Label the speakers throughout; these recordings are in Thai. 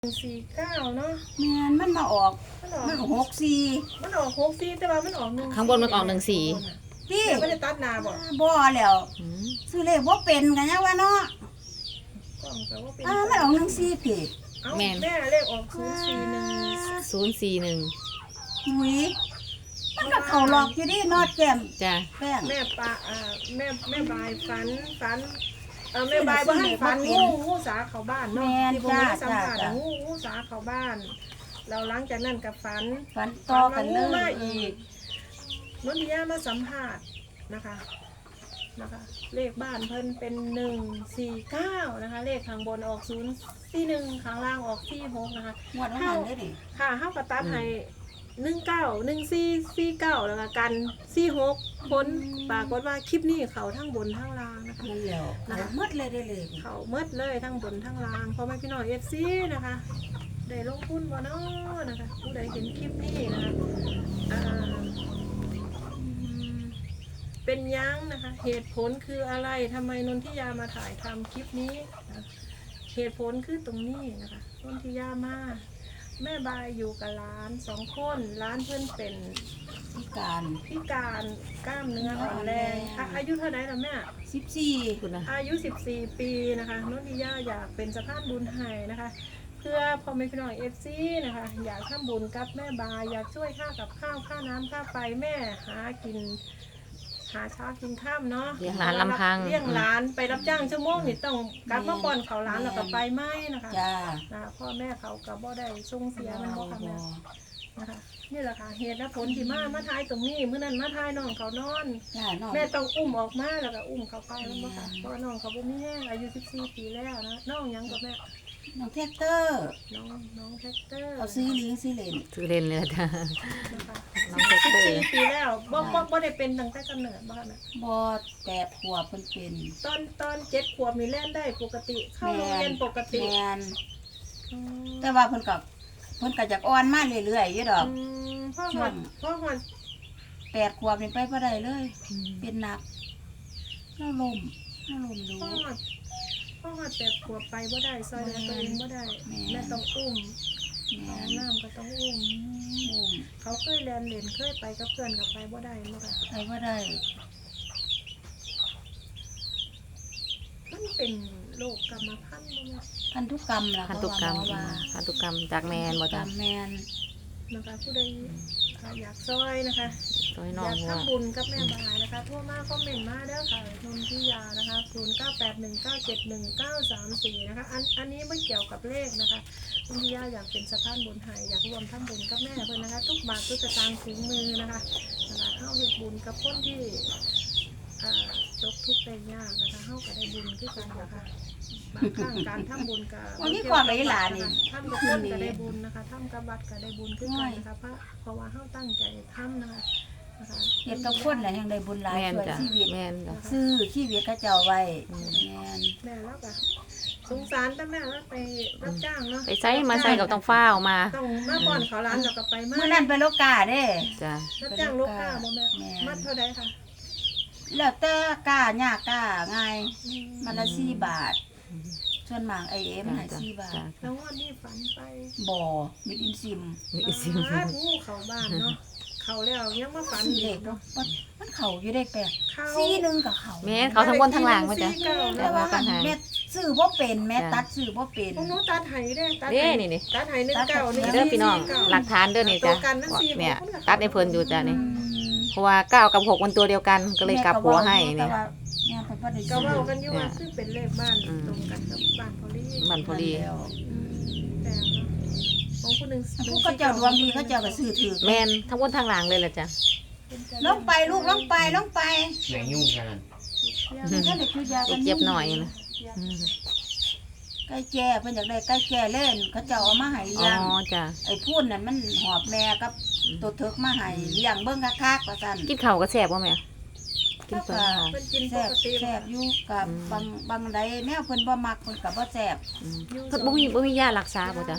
Speaker 1: 49เนาะ
Speaker 2: แม่นมันมาออกมันออก64
Speaker 1: มันออก64แต่ว่ามันออก1
Speaker 3: ข้างบนมันออก14
Speaker 2: พี่
Speaker 1: ไม่ได้ตัดหน้าบ่
Speaker 2: บ่แล้วซื้อเลขบ่เป็นกันยังว่าเนาะ
Speaker 1: กล้องแต่ว่าเป็น
Speaker 2: มันออก14พี่
Speaker 1: แม่เลขออก041
Speaker 2: หุยมันก็เข้าหลอกอยู่ดินอดแก้ม
Speaker 3: จ้ะ
Speaker 2: แป้ง
Speaker 1: แม่ปะแม่บายฝันแม่บายบ่ให้ฝันงูสาเข้าบ้านเนาะที่ผมได้สัมภาษณ์งูสาเข้าบ้านเราหลังจากนั้นก็ฝัน
Speaker 2: ต่อกันเลย
Speaker 1: มาอีกนนทิยามาสัมภาษณ์นะคะเลขบ้านเพิ่นเป็น149นะคะเลขข้างบนออก041ข้างล่างออก46นะคะ
Speaker 2: งวดนั้นได้ดิ
Speaker 1: ค่ะเฮาก็ตัดให้191449แล้วก็กัน46ผลปรากฏว่าคลิปนี้เขาทั้งบนทั้งล่างนะคะ
Speaker 2: นั่นแล้วเขาหมดเลยได้เลย
Speaker 1: เขาหมดเลยทั้งบนทั้งล่างเพราะไม่พี่น้อง FC นะคะได้ลงทุนบ่เนาะนะคะผู้ใดเห็นคลิปนี้นะคะเป็นยังนะคะเหตุผลคืออะไรทำไมนนทิยามาถ่ายทำคลิปนี้นะเหตุผลคือตรงนี้นะคะนนทิยามาแม่บายอยู่กับร้าน2คนร้านเพื่อนเป็น
Speaker 2: พิการ
Speaker 1: กล้ามเนื้ออ่อนแรงอายุเท่าไหร่ล่ะแม่
Speaker 2: 14
Speaker 1: คุณนะอายุ14ปีนะคะนนทิยาอยากเป็นสะพานบุญให้นะคะเพื่อพอไม่พี่น้อง FC นะคะอยากทำบุญกับแม่บายอยากช่วยค่ากับข้าวค่าน้ำค่าไฟแม่หาเช้ากินข้ามเนาะ
Speaker 3: เลี้ยงหลานลำพัง
Speaker 1: เลี้ยงหลานไปรับจ้างชั่วโมงนี่ต้องกลับมาป้อนเขาหลานแล้วก็ไปไหมนะคะพ่อแม่เขากับบ่ได้ส่งเสียมันบ่ค่ะแม่นะคะนี่แหละค่ะเหตุและผลที่มาทายตรงนี้เมื่อนั้นมาทายน้องเขานอนแม่ต้องอุ้มออกมาแล้วก็อุ้มเขาไปมันบ่ค่ะเพราะน้องเขาบ่มีแห้งอายุ14ปีแล้วนะน้องยังกับแม่
Speaker 2: น้องแท็กเตอร์
Speaker 1: น้องแท็กเตอร์
Speaker 2: เอาซื้อลิงซื้อเล
Speaker 3: นเลยจ้ะ
Speaker 1: น้องแท็กเตอร์14ปีแล้วบ่ได้เป็นตั้งแต่กำเนิดบ่ค่ะแม่
Speaker 2: บ่8 ขวบเพิ่นเป็น
Speaker 1: ตอน7 ขวบนี่เล่นได้ปกติเข้าโรงเรียนปกติ
Speaker 2: แม่นแต่ว่าเพิ่นก็อยากอ่อนมาเรื่อยๆอยู่ดอก
Speaker 1: พ่อฮอด
Speaker 2: 8 ขวบนี่ไปบ่ได้เลยเป็นหนักแล้วลมดู
Speaker 1: พ่อฮอด8 ขวบไปบ่ได้ซอยเดินตัวเองบ่ได้แม่ต้องอุ้มน้ำก็ต้องอุ้มเขาเคยเล่นเคยไปกับเพื่อนกับไปบ่ได้บ่ค่ะ
Speaker 2: ไปบ่ได้
Speaker 1: มันเป็นโรคกรรมพันธุ์บ่แม่
Speaker 2: พันธุกรรมล่ะ
Speaker 3: พันธุกรรมจากแมนบ่จ้ะ
Speaker 2: แมน
Speaker 1: นะคะผู้ใดอยากซอยนะคะ
Speaker 3: อยาก
Speaker 1: ทำบุญกับแม่บายนะคะทั่วมาคอมเมนต์มาเด้อค่ะนนทิยานะคะ0981971934นะคะอันนี้ไม่เกี่ยวกับเลขนะคะนนทิยาอยากเป็นสะพานบุญให้อยากรวมทำบุญกับแม่เพิ่นนะคะทุกบาททุกสตางค์ถึงมือนะคะเข้าเฮ็ดบุญกับคนที่ตกทุกข์ได้ยากนะคะเข้าก็ได้บุญคือกันนะคะบางครั้งการทำบุญกับ
Speaker 2: วันนี้ความหลานนี่
Speaker 1: ทำกับคนก็ได้บุญนะคะทำกับวัดก็ได้บุญคือกันนะคะเพราะว่าเข้าตั้งใจทำนะคะ
Speaker 2: เฮ็ดกับคนแหละยังได้บุญหลายช่วยชีวิตซื้อชีวิตเขาเจ้าไว้
Speaker 1: แม่แล้วก็สงสารแต่แม่แล้วไปรับจ้างเนาะ
Speaker 3: ไปใช้มาใช้กับต้องฟ้าวมา
Speaker 1: ต้องมาป้อนเขาร้านแล้วก็ไป
Speaker 2: เมื่อนั้นไปโลกาเด้
Speaker 3: จ้ะ
Speaker 1: รับจ้างโลกาบ่แม่มัดเท่าใดค่ะ
Speaker 2: แล้วแต่กาหญ้ากาง่ายมันละ4 บาทส่วนมากมันให้4 บาท
Speaker 1: แล้ววันนี้ฝันไป
Speaker 2: บ่มีอินซิม
Speaker 1: งูเข้าบ้านเนาะเขาแล้วยังมาฝัน
Speaker 2: เด็กเนาะมันเขาอยู่ได้แปลก4 กับเขา
Speaker 3: แม่เขาทั้งบนทั้งล่างว่าจ้ะ
Speaker 2: แต่ว่าแม่ซื้อบ่เป็นแม่ตัดซื้อบ่เป็น
Speaker 1: พวกหนูตัดให้ได้ตัดให้19
Speaker 3: นี่เด้อพี่น้องหลักฐานเด้อนี่จ้ะเนี่ยตัดให้เพิ่นอยู่จ้ะนี่เพราะว่า9 กับ 6มันตัวเดียวกันก็เลยกลับหัวให้นี่
Speaker 1: ก็เว้ากันอยู่ว่าคือเป็นเลขบ้านตรงกันกับบ้านพอลีแต่ของผู้นึง
Speaker 2: เขาเจ้าดวงดีเขาเจ้าก็ซื้อถือ
Speaker 3: แม่นทั้งบนทั้งล่างเลยล่ะจ้ะ
Speaker 2: ลงไปลูกลงไป
Speaker 4: ไหนยุ่งกัน
Speaker 3: เจ็บหน่อยนะ
Speaker 2: ใกล้แก่เพิ่นอยากได้ใกล้แก่เล่นเขาเจ้าเอามาให้เลี้ยง
Speaker 3: จ้ะ
Speaker 2: ไอ้พูนนั่นมันหอบแม่กับตัวเถิกมาให้เลี้ยงเบิ่งคักๆว่าซั่น
Speaker 3: กินข้าวก็แซ่บบ่แม่
Speaker 1: กินเพิ่นกินปกติ
Speaker 2: แซ่บอยู่กับบางใดแนวเพิ่นบ่มักเพิ่นก็บ่แซ่บ
Speaker 3: เพิ่นบ่มียารักษาบ่จ้ะ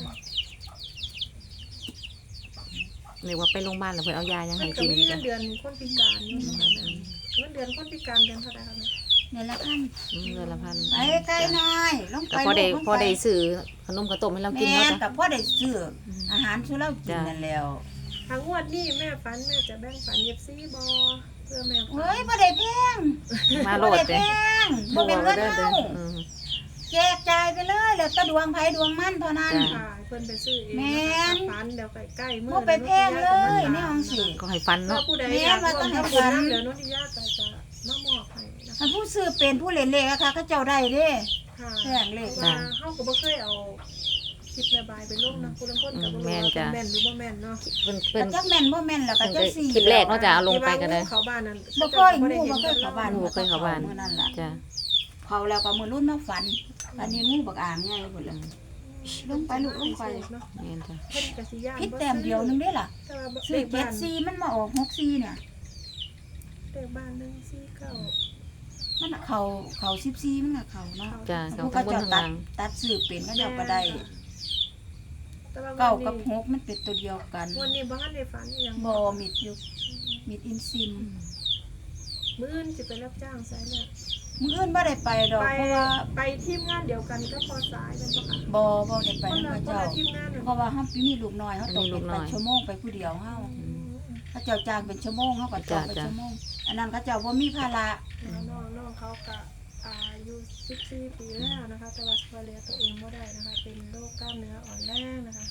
Speaker 3: เรียกว่าไปโรงพยาบาลแล้วเพิ่นเอายายังให้กิน
Speaker 1: จ้ะเงินเดือนคนพิการอยู่นะคะเงินเดือนคนพิการเดือนเท่าใดคะแม่
Speaker 2: เดือนละพัน
Speaker 3: เดือนละพัน
Speaker 2: ไปไกลหน่อยลงไป
Speaker 3: ก็พอได้ซื้อขนมข้าวต้มให้เรากิน
Speaker 2: แม่
Speaker 3: เนาะ
Speaker 2: น
Speaker 3: จ้ะ
Speaker 2: กับพ่อได้ซื้ออาหารสู่เรากินนั่นแล้ว
Speaker 1: ทางงวดนี้แม่ฝันแม่จะแบ่งฝันเย็บซี่บ่เพื่อแม่ฝัน
Speaker 2: เฮ้ยบ่ได้แพง
Speaker 3: มาโล
Speaker 2: บ่
Speaker 3: ด
Speaker 2: ได้
Speaker 3: เด้
Speaker 2: แพงบ่เป็นเงินเฮา
Speaker 3: อืม
Speaker 2: แจกจ่ายไปเลยแล้วแต่ดวงไผดวงมันเท่านั้น
Speaker 3: จ้ะ
Speaker 1: ค่ะเพิ่นไปซื้อเอง
Speaker 2: แม่น
Speaker 1: ฝันเดี๋ยวใกล้ๆมื้
Speaker 2: บ่ไปแพงเลยในห้องสิ
Speaker 3: ก็ให้ฟัน
Speaker 1: ถ้า
Speaker 3: เนาะ
Speaker 1: ผู้ใด
Speaker 2: แม่
Speaker 1: อยาก
Speaker 2: ว่า
Speaker 1: ร่ว
Speaker 2: ต้อ
Speaker 1: ม
Speaker 2: งให้
Speaker 1: ทำบุญ
Speaker 2: ฝัน
Speaker 1: น้ำเดี๋ยวโนทิยาก็จะมามอบให้นะคะ
Speaker 2: ถ้าผู้ซื้อเป็นผู้เล่นเลขอะค่ะเขาเจ้าได้เด้
Speaker 1: ค่ะ
Speaker 2: แพงเลข
Speaker 1: พราะว่าเฮาก็บ่เคยเอาคลิปแม่บายไปลงนะผู้ลางคนก็บ่รู้ว่าเป็นแม่นหรือบ่แม่นเนาะ
Speaker 3: เพิ่น
Speaker 2: ก็จักแม่นบ่แม่นแล้วก็จักสี่
Speaker 3: คลิปแรกเนาะจ้ะเอาลงไปก็ได้
Speaker 1: ที่ว่างูเขาบ้านนั้น
Speaker 2: บ่เคยงูบ่เคยเข้าบ้าน
Speaker 3: งูบ่เคยเข้าบ้าน
Speaker 2: มื้อนั้นล่ะ
Speaker 3: จ้ะ
Speaker 2: เขาแล้วก็มื้อรุ่นมาฝันอันนี้งูบักอ่างใหญ่พุ่นล่ะ ลงไปลูกลงไป
Speaker 1: เนาะ
Speaker 3: แม่นจ้ะ
Speaker 1: เพิ่นก็สิย่าน
Speaker 2: ผิดแต้มเดียวนึงเด้ล่ะ
Speaker 1: แต่ว่า
Speaker 2: ซื้อ74มันมาออก64เนี่ย
Speaker 1: เลขบ้าน149
Speaker 2: มันเขา14มันก็เขาเนาะ
Speaker 3: จ้ะ
Speaker 2: ผู้
Speaker 3: เขา
Speaker 2: เขา
Speaker 3: ทั้งบน
Speaker 2: เจ้า
Speaker 3: ทั้ง
Speaker 2: ตั
Speaker 3: ล่า
Speaker 2: ด
Speaker 3: ง
Speaker 2: ซื้อเป็นเขาเจ้าก็ได้
Speaker 1: แต่ว่า
Speaker 2: เก้า
Speaker 1: วัน
Speaker 2: กับ
Speaker 1: นี้
Speaker 2: 6มันเป็นตัวเดียวกัน
Speaker 1: วันนี้บ่ทันได้ฝันอีหยัง
Speaker 2: บ่มิดอยู่มิดอินซิม
Speaker 1: มื้ออื่นสิไปรับจ้างไสเนี่ย
Speaker 2: มื้ออื่นบ่ได้ไปดอก
Speaker 1: ไป
Speaker 2: เพราะว่า
Speaker 1: ไปทีมงานเดียวกันก็พอสายเป็นบ่ค่ะ
Speaker 2: บ่ได้ไป
Speaker 1: คน
Speaker 2: นำ
Speaker 1: ละ
Speaker 2: เขา
Speaker 1: คน
Speaker 2: เจ้า
Speaker 1: ละทีมงานน่ะ
Speaker 2: เพราะว่าเฮามีลูกน้อยเฮาต้องเป็นไปชั่วโมงไปผู้เดียวเฮาเขาเจ้าจ้างเป็นชั่วโมงเฮาก็จ้างเป็นชั่วโมงอันนั้นเขาเจ้าบ่มีภาระ
Speaker 1: น้องเขาก็อายุ14ปีแล้วนะคะแต่ว่าช่วยเหลือตัวเองบ่ได้นะคะ เป็นโรคกล้ามเนื้ออ่อนแรงนะคะ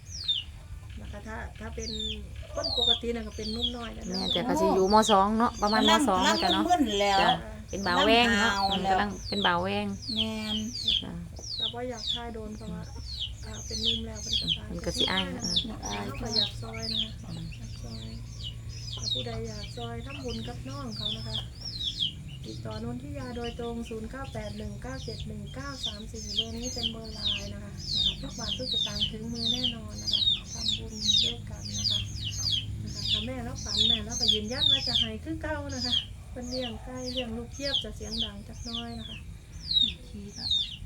Speaker 1: ถ้าเป็นคนปกติน่ะก็เป็นนุ่มน้อยแล้ว
Speaker 3: แม่
Speaker 1: นะ
Speaker 3: นแต่ก็สิอยู่ม .2 เนาะประมาณม .2 แล้วจ้ะเนาะ
Speaker 2: มึนแล้ว
Speaker 3: จ้ะเป็นบ่าวแวงเนาะ
Speaker 2: กำลังหาวแล้ว
Speaker 3: กำลังเป็นบ่าวแวง
Speaker 2: แม่น
Speaker 3: จ้ะ
Speaker 1: แต่ว่าอยากทายโดนเพราะว่าเป็นนุ่มแล้วเป็นกระต่าย
Speaker 3: มันก็สิอ้ายนะ
Speaker 1: เขาก็อยากซอยนะคะอยากซอยถ้าผู้ใดอยากซอยทำบุญกับน้องเขานะคะติดต่อนนทิยาโดยตรง 0981971934 เบอร์นี้เป็นเบอร์ไลน์นะคะทุกบาททุกสตางค์ถึงมือแน่นอนนะคะทำบุญด้วยกันนะคะถ้าแม่แล้วฝันแม่แล้วก็ยืนยันว่าจะให้คือเก่านะคะเป็นเลี้ยงไก่เลี้ยงลูกเทียบจะเสียงดังจักน้อยนะคะ
Speaker 2: ขี้ละ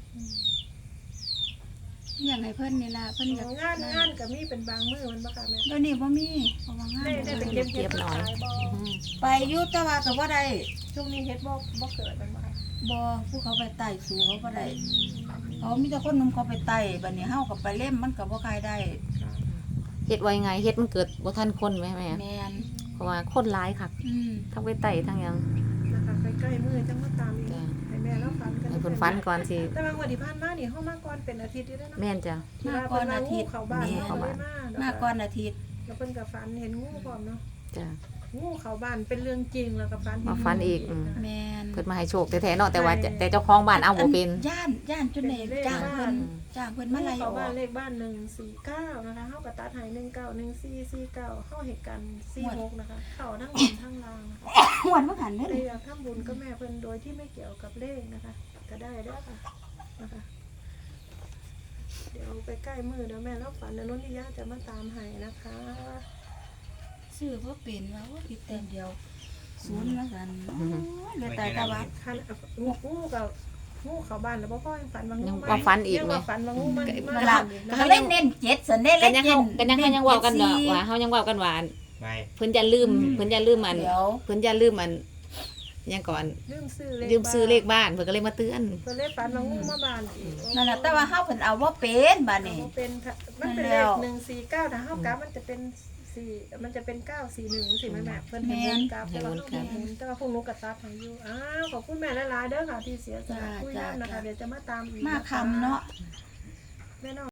Speaker 2: อย่างให้เพิ่นนี่ล่ะเพิ่นอยาก
Speaker 1: งานก็มีเป็นบางมื้อมันบ่ค่ะแม่
Speaker 2: เดี๋ยวนี้บ่มีเพราะว่างาน
Speaker 1: ได้ไปเก็บเห็ดมาขายบ่
Speaker 3: อืม
Speaker 2: ไปอยู่แต่ว่าก็บ่ได้
Speaker 1: ช่วงนี้เฮ็ดบ่เกิดมันบ่ค่ะ
Speaker 2: บ่ผู้เขาไปไต่สู่เขาบ่ได้เขามีแต่คนหนุ่มเขาไปไต่บัดนี้เฮาก็ไปเล่มมันก็บ่คายได้
Speaker 3: เฮ็ดไว้ไงเฮ็ดมันเกิดบ่ทันคนแม่
Speaker 2: แม่น
Speaker 3: เพราะว่าคนหลายคัก ทั้งไปไต่ทั้งหยัง
Speaker 1: นะคะใกล้ๆมื้อจังมาตามอีก
Speaker 3: จ้ะ
Speaker 1: ให้แม่เราฝันกัน
Speaker 3: ให้เพิ่นฝันก่อนสิ
Speaker 1: แต่บางวันที่ผ่านมานี่เฮามาก่อนเป็นอาทิตย์อยู่แล้วเนาะ
Speaker 3: แม่นจ้ะ
Speaker 2: มาก่อนอาทิตย์
Speaker 1: เข้าบ้าน
Speaker 2: แม่
Speaker 1: เฮาเลยมา
Speaker 2: มาก่อนอาทิตย์
Speaker 1: แล้วเพิ่นก็ฝันเห็นงูพร้อมเนาะ
Speaker 3: จ้ะ
Speaker 1: งูเข้าบ้านเป็นเรื่องจริงแล้วก็ฝันเห็น
Speaker 3: มาฝันอีก
Speaker 2: แม่น
Speaker 3: เพิ่นมาให้โชคแท้ๆเนาะแต่ว่าแต่เจ้าของบ้านเอาบ่เป็น
Speaker 2: ย่านจนได้จ้างเพิ่นมาไล่
Speaker 1: เข้า
Speaker 2: ออ
Speaker 1: บ้าน
Speaker 2: ก
Speaker 1: เลขบ้าน149นะคะเฮาก็ตัดให้191449เฮาเฮ็ดกัน46นะคะเข้าทั้งบนทั้งล่างนะคะ
Speaker 2: หวนบ่หันเด้
Speaker 1: เลยอยากทำบุญกับแม่เพิ่นโดยที่ไม่เกี่ยวกับเลขนะคะก็ได้เด้อค่ะนะคะเดี๋ยวไปใกล้มือเดี๋ยวแม่รับฝันเดี๋ยวนุ่นนิยาจะมาตามให้นะคะ
Speaker 2: ซื้อบ่เป็นว่าว่าผิดแต่เดียวศูนย์ว่าซั่นเหลือแต่ตะวัน
Speaker 1: คันงูกับงูเข้าบ้านแล้วบ่พ่อยังฝันว่างู
Speaker 3: ยังว่าฝันอีก
Speaker 1: ยัง
Speaker 3: ไหม
Speaker 1: ว่าฝันว่างูมัน
Speaker 2: ก็
Speaker 1: มา
Speaker 2: ละ
Speaker 1: บ้านอีกนะ
Speaker 2: ก็เล่นเน้น7ซั่นเด้
Speaker 3: กั
Speaker 2: เล่
Speaker 3: น
Speaker 2: น
Speaker 3: ยัง
Speaker 2: เน้น
Speaker 3: เฮายังเว้ากันเนาะว่าเฮายังเว้ากันว่า
Speaker 4: ไป
Speaker 3: เพิ่นจะลืมอัน
Speaker 2: เดี๋ยว
Speaker 3: เพิ่นจะลืมอันยังก่อน
Speaker 1: ลืมซื้อ
Speaker 3: ลืมซื้อเลขบ้านเพิ่นก็เลยมาเตือน
Speaker 1: เพิ่นเลยฝันว่างูมาบ้านอีก
Speaker 2: นั่นน่ะแต่ว่าเฮาเพิ่นเอาบ่เป็นบัดนี้
Speaker 1: เอาเป็นมันเป็นเลข149ถ้าเฮากราฟมันจะเป็นมันจะเป็น941สิแม่แม่เพิ่นเห็นกราฟแต่ว่าเฮาบ่เห็นแต่ว่าพวกหนูก็ตัดให้อยู่อ้าวขอบคุณแม่หลายๆเด้อค่ะที่เสียสละคุยนำนะคะเดี๋ยวจะมาตามอีก
Speaker 2: มาคำเนาะ
Speaker 1: แม่น้อง